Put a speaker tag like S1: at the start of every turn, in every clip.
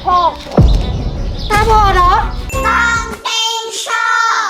S1: 6ตาบอดเหรอต้องเต็งชอบ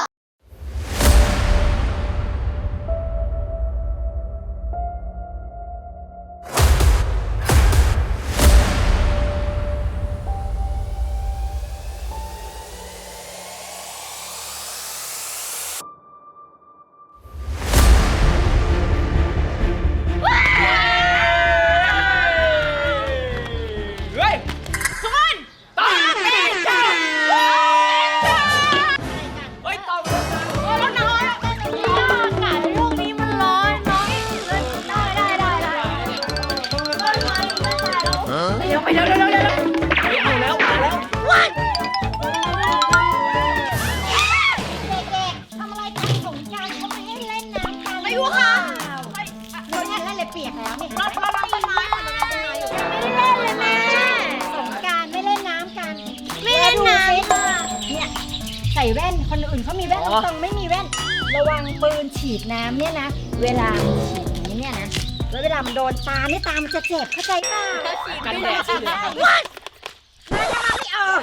S1: เปียกแล้วนี่เราต้นไม้ค่ะเราต้นไม้อยู่ไม่ได้เล่นเลยแม่สงกรานต์ไม่เล่นน้ำกันไม่เล่นน้ำค่ะเนี่ยใส่แว่นคนอื่นเขามีแว่นตรงไม่มีแว่นระวังปืนฉีดน้ำเนี่ยนะเวลาฉีดนี้เนี่ยนะแล้วเวลามันโดนตานี่ตามันจะเจ็บเข้าใจป่ะกันแดดใช่ไหมน่าจะรับไม่ออก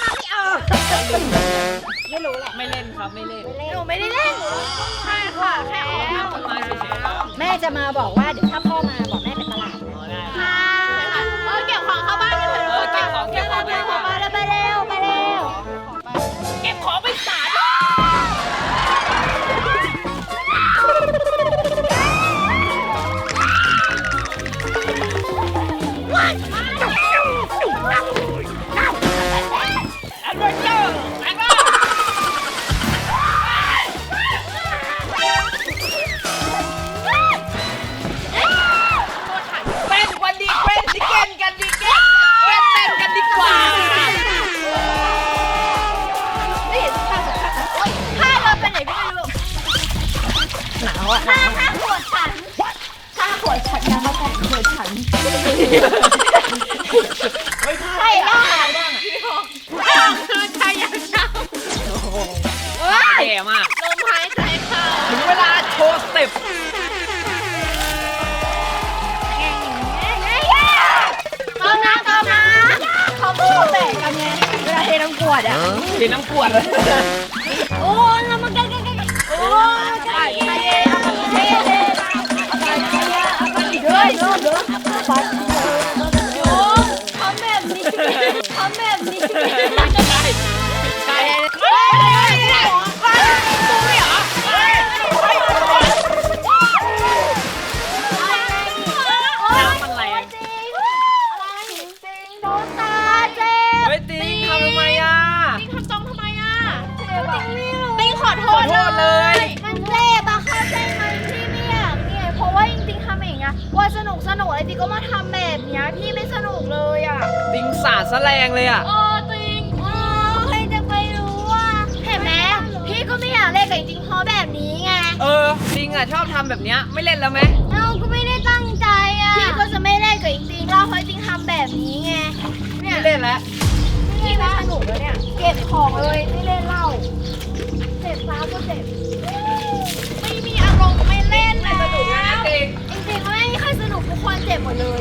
S1: ไม่รู้แหละ
S2: ไม่เล่นครับไม่เล่น
S1: หนูไม่ได้เล่นใช่ค่ะแค่ออกต้นไม้เฉยๆแม่จะมาบอกว่าเดี๋ยวถ้าพ่อมาบอกแม่ไปตลาดค่ะเก็บของเข้าบ้านกันเถอะ
S2: เก็บของไป
S1: แล้วไปเร็ว
S2: เก็บของไปศาล
S1: ถ้าขวดฉันยังมาแต่งขวดฉันไม่ใช่ล่ะคือชายยังเช่า
S2: แย่มาก
S1: ลมหายใจเข้า
S2: ถึงเวลาโชว์สเต็ป
S1: เติมน้ำเขาพูดแตกกันไงเวลาเทน้ำขวดอ่ะ
S2: เทน้ำขวดเลย
S1: โอ้แล้วมันกันโอ้ใช่ขอโทษเลยมันเจ็บอะเข้าใจไหมพี่ไม่อยากเนี่ยเพราะว่าจริงๆทำอย่างเงี้ยว่าสนุกอะไรจริงก็มาทำแบบเนี้ยพี่ไม่สนุกเลยอะ
S2: ติงสาดซะแรงเลยอะ
S1: จริงใครจะไปรู้ว่าเห็นไหมพี่ก็ไม่อยากเล่นกับจริงเพราะแบบนี้ไง
S2: จริงอะชอบทำแบบเนี้ยไม่เล่นแล้วไหม
S1: เราก็ไม่ได้ตั้งใจอะพี่ก็จะไม่เล่นกับจริงเราเพราะจริงทำแบบนี้ไง
S2: ไม่เล่นแล้ว
S1: พี่ไม่สนุกแล้วเนี่ยเก็บของเลยไม่เล่นเหล้าเจ็บซ้ำก็เจ็บไม่มีอารมณ์ไม่เล่นแล้วจริงๆไม่มีใครสนุกทุกคนเจ็บหมดเลย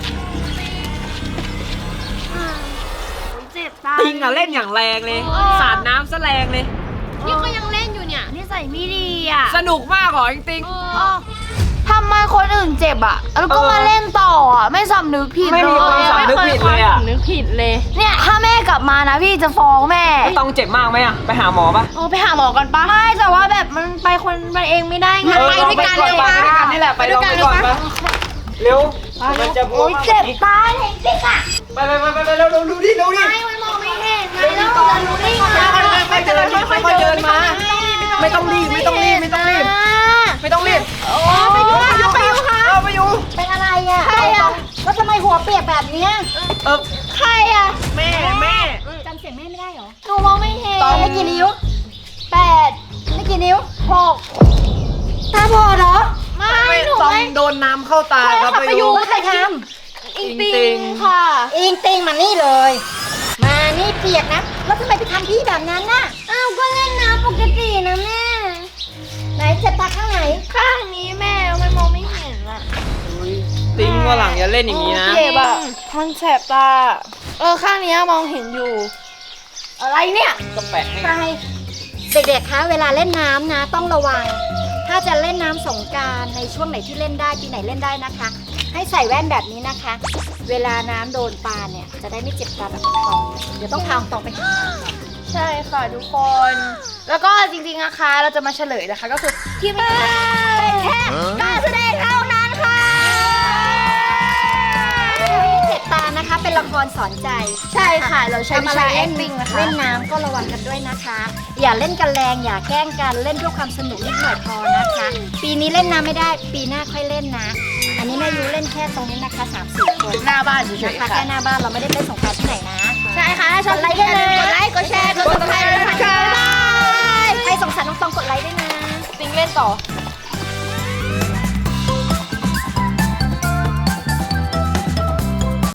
S1: เจ็บตา
S2: ติงอะเล่นอย่างแรงเลยสาดน้ำซะแรงเลย
S1: นี่ก็ยังเล่นอยู่เนี่ยนิสัยไม่ดีอ่ะ
S2: สนุกมากเหรอจริง
S1: ทำไมคนอื่นเจ็บอ่ะแล้วก็มาเล่นต่ออ่ะไม่สำนึกผิด
S2: ไม่มีความสำนึกผิดเลยอ่ะ
S1: เนี่ยถ้าแม่กลับมานะพี่จะฟ้องแม่
S2: ต้องเจ็บมากไหมอ่ะไปหาหมอปะ
S1: ไปหาหมอกันปะไม่แต่ว่าแบบมันไปคนมันเองไม่ได้ไง
S2: ไปด้วยกันเลยไปด้วยกันนี่แหละไปลองไปก่อนปะเร็วมันจะบวม
S1: เจ็บตาเห็นจริงอ่ะ
S2: ไปเร็วดูดิ
S1: ไม่มองไม่เห็นไงแล้วจะรู้ได้ไง
S2: ค่อยเดินมาไม่ต้องรีบไปอยู่ค่ะ
S1: เป็นอะไรอ่ะใครอ่ะแล้วทำไมหัวเปียกแบบนี้ใครอ่ะ
S2: แม่
S1: จำเสียงแม่ไม่ได้เหรอหนูมองไม่เห็นได้กี่นิ้ว8ได้กี่นิ้ว6ตาบอดเหรอ
S2: ไม่หนูไม่โดนน้ำเข้าตาครับ
S1: ไปอยู่ใครทำอิงติงค่ะอิงติงมานี่เลยมานี่เปียกนะแล้วทำไมไปทำพี่แบบนั้นน่ะก็เล่นน้ำปกตินะแม่ไหนเจ็บตาข้างไหนข้างนี้แม่มันมองไม่เห็นอ่ะ
S2: ติงว่าหลังอย่าเล่นอย่างนี้นะ
S1: เจ็บอ่ะทันแสบตา
S3: ข้างนี้มองเห็นอยู่ อะไรเนี่ย
S2: ก็แปะให้
S3: ใช่
S1: เด็กๆ คะเวลาเล่นน้ำนะต้องระวัง ถ้าจะเล่นน้ำสงกรานต์ในช่วงไหนที่เล่นได้ปีไหนเล่นได้นะคะ ให้ใส่แว่นแบบนี้นะคะ เวลาน้ำโดนปลาเนี่ยจะได้ไม่เจ็บตาแบบตองเดี๋ยวต้องพาตองไปหาหมอ
S3: ใช่ค่ะทุกคน แล้วก็จริงๆนะคะเราจะมาเฉลยนะคะก็คือที่ไม่เป็นแค่การแสดงเท่านั้นค่ะ
S1: เจ็บตานะคะเป็นละครสอนใจ
S3: ใช่ค่ะเราใช้วิชา acting นะคะ
S1: เล่นน้ำก็ระวังกันด้วยนะคะ อย่าเล่นกันแรงอย่าแกล้งกันเล่นเพื่อความสนุกนิดหน่อยพอนะคะ ปีนี้เล่นน้ำไม่ได้ปีหน้าค่อยเล่นนะ อันนี้แม่ยูเล่นแค่ตรงนี้นะคะ3-4 คน
S3: หน้าบ้านเฉ
S1: นะ
S3: ย
S1: คะ
S3: ๆค่ะ
S1: แค่หน้าบ้านเราไม่ได้เล่นสงกรานต์ที่ไหนนะ
S3: ใช่ค่ะถ้าชอบไลค์กันเลยกดไลค์กดแชร์กดติดตามด้วยนะคะบ๊ายบาย
S1: ใครสงสารน้องตองกดไลค์ด้วยนะ
S3: ปิงเล่นต่อ
S1: บ